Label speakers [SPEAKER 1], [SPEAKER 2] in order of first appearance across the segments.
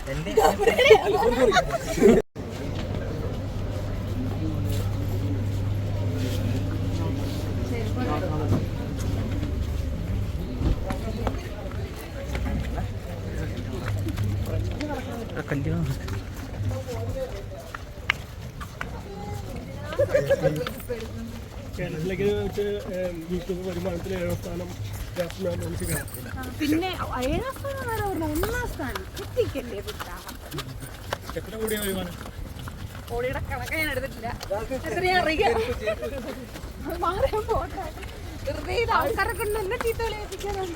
[SPEAKER 1] കേരളത്തിലേക്ക് വെച്ച് യൂട്യൂബ് വരുമാനത്തിൽ 7ാം സ്ഥാനം
[SPEAKER 2] പിന്നെ 7ാം സ്ഥാനം വരെ 1ാം സ്ഥാനം എത്തിക്കല്ലേ
[SPEAKER 1] എത്ര കൂടിയ വരുമാനം?
[SPEAKER 2] കോടിയുടെ കണക്ക് ഞാൻ എടുത്തിട്ടില്ല. എത്രയാ അറിയാം മാറാൻ പോട്ടെ. വെറുതെ ആൾക്കാരെ കൊണ്ട് എന്നെ ചീത്ത വിളിപ്പിക്കാനാണ്.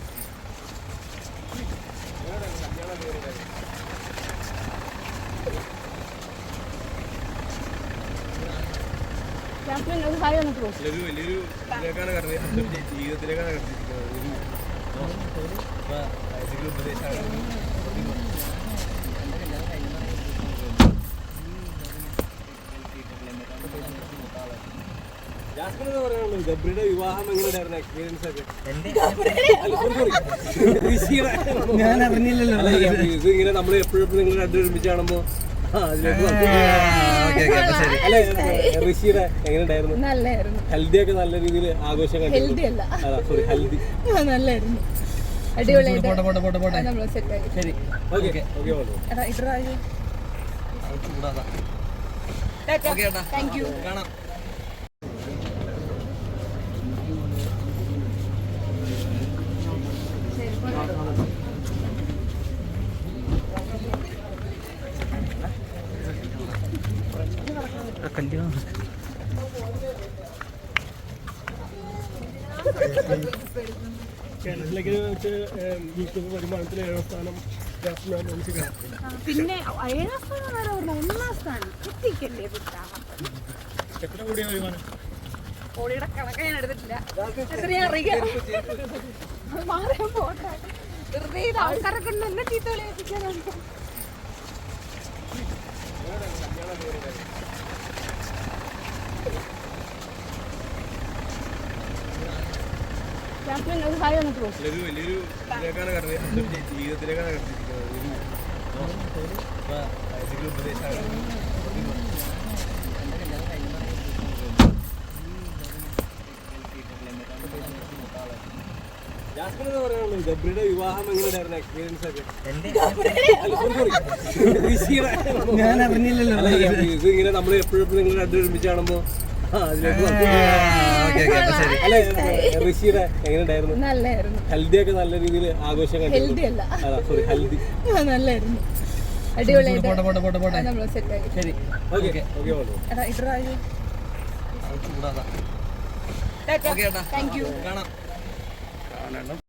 [SPEAKER 1] വലിയൊരു ഇതിലേക്കാണ് കടന്നത്, ജീവിതത്തിലേക്കാണ് കടന്നിരിക്കുന്നത്. ഉപദേശമാണ്. ജാസ്മിൻ എന്ന് പറയാനുള്ളത് ഗബ്രിയുടെ വിവാഹം എങ്ങനെയായിരുന്നു എക്സ്പീരിയൻസ് ഒക്കെ?
[SPEAKER 3] ഞാൻ അറിഞ്ഞില്ലല്ലോ.
[SPEAKER 1] ഇത് ഇങ്ങനെ നമ്മൾ എപ്പോഴും നിങ്ങൾ രണ്ടും ഒരുമിച്ച് കാണുമ്പോ ഋഷിയുടെ എങ്ങനെയുണ്ടായിരുന്നു?
[SPEAKER 2] നല്ലായിരുന്നു.
[SPEAKER 1] ഹൽദി ഒക്കെ നല്ല രീതിയിൽ ആഘോഷം കണ്ടു. ഹൽദി
[SPEAKER 2] നല്ലായിരുന്നു, അടിപൊളിയായിട്ട് താങ്ക് യു.
[SPEAKER 1] കേരളത്തിലേക്ക് വെച്ച് യൂട്യൂബ് വരുമാനത്തിൽ 7ാം സ്ഥാനം.
[SPEAKER 2] പിന്നെ 7ാം സ്ഥാനം വരെ 1ാം സ്ഥാനം എത്തിക്കല്ലേ
[SPEAKER 1] എത്ര കൂടിയ വരുമാനം?
[SPEAKER 2] കോടിയുടെ കണക്ക് ഞാൻ എടുത്തിട്ടില്ല. എത്രയാ അറിയാം മാറാൻ പോട്ടെ. വെറുതെ ആൾക്കാരെ കൊണ്ട് എന്നെ ചീത്ത വിളിപ്പിക്കാനാണ്.
[SPEAKER 1] വലിയൊരു ഇതിലേക്കാണ് കടന്നത്, ജീവിതത്തിലേക്കാണ് കടന്നിരിക്കുന്നത്. ഉപദേശമാണ്. ജാസ്മിൻ എന്ന് പറയാനുള്ളത് ഗബ്രിയുടെ വിവാഹം എങ്ങനെയായിരുന്നു എക്സ്പീരിയൻസ് ഒക്കെ?
[SPEAKER 3] ഞാൻ അറിഞ്ഞില്ലല്ലോ.
[SPEAKER 1] ഇത് ഇങ്ങനെ നമ്മൾ എപ്പോഴും നിങ്ങൾ രണ്ടും ഒരുമിച്ച് കാണുമ്പോ ഋഷിയുടെ എങ്ങനെയുണ്ടായിരുന്നു?
[SPEAKER 2] നല്ലായിരുന്നു.
[SPEAKER 1] ഹൽദി ഒക്കെ നല്ല രീതിയിൽ ആഘോഷം കണ്ടു. ഹൽദി
[SPEAKER 2] നല്ലായിരുന്നു, അടിപൊളിയായിട്ട് താങ്ക് യു.